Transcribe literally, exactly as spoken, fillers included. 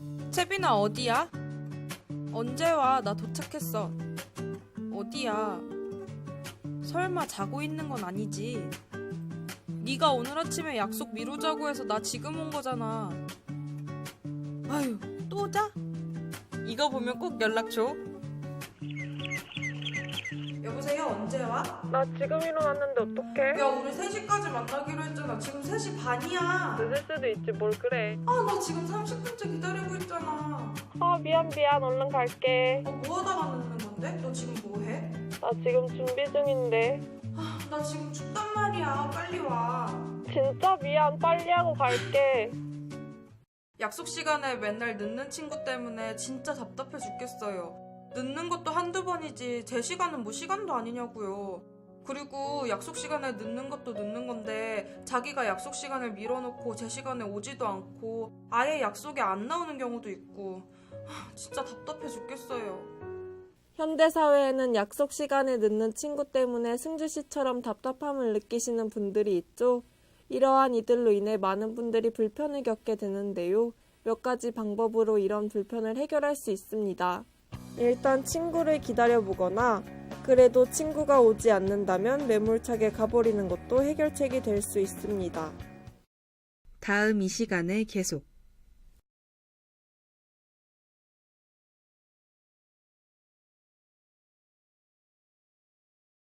채빈아, 어디야? 언제 와? 나 도착했어. 어디야? 설마 자고 있는 건 아니지? 네가 오늘 아침에 약속 미루자고 해서 나 지금 온 거잖아. 아유, 또 자? 이거 보면 꼭 연락 줘. 여보세요, 언제 와? 나 지금 일어났는데 어떡해? 야, 우리 세 시까지 만나기로 했잖아. 지금 세 시 반이야. 늦을 수도 있지 뭘 그래. 아, 나 지금 삼십 분째 기다리고 있잖아. 아 미안 미안 얼른 갈게. 어, 뭐 하다가 늦는 건데? 너 지금 뭐 해? 나 지금 준비 중인데. 아, 나 지금 춥단 말이야. 빨리 와. 진짜 미안 빨리 하고 갈게. 약속 시간에 맨날 늦는 친구 때문에 진짜 답답해 죽겠어요. 늦는 것도 한두 번이지 제 시간은 뭐 시간도 아니냐고요. 그리고 약속 시간에 늦는 것도 늦는 건데 자기가 약속 시간을 밀어놓고 제 시간에 오지도 않고 아예 약속에 안 나오는 경우도 있고 하, 진짜 답답해 죽겠어요. 현대사회에는 약속 시간에 늦는 친구 때문에 승주씨처럼 답답함을 느끼시는 분들이 있죠. 이러한 이들로 인해 많은 분들이 불편을 겪게 되는데요. 몇 가지 방법으로 이런 불편을 해결할 수 있습니다. 일단 친구를 기다려보거나 그래도 친구가 오지 않는다면 매몰차게 가버리는 것도 해결책이 될 수 있습니다. 다음 이 시간에 계속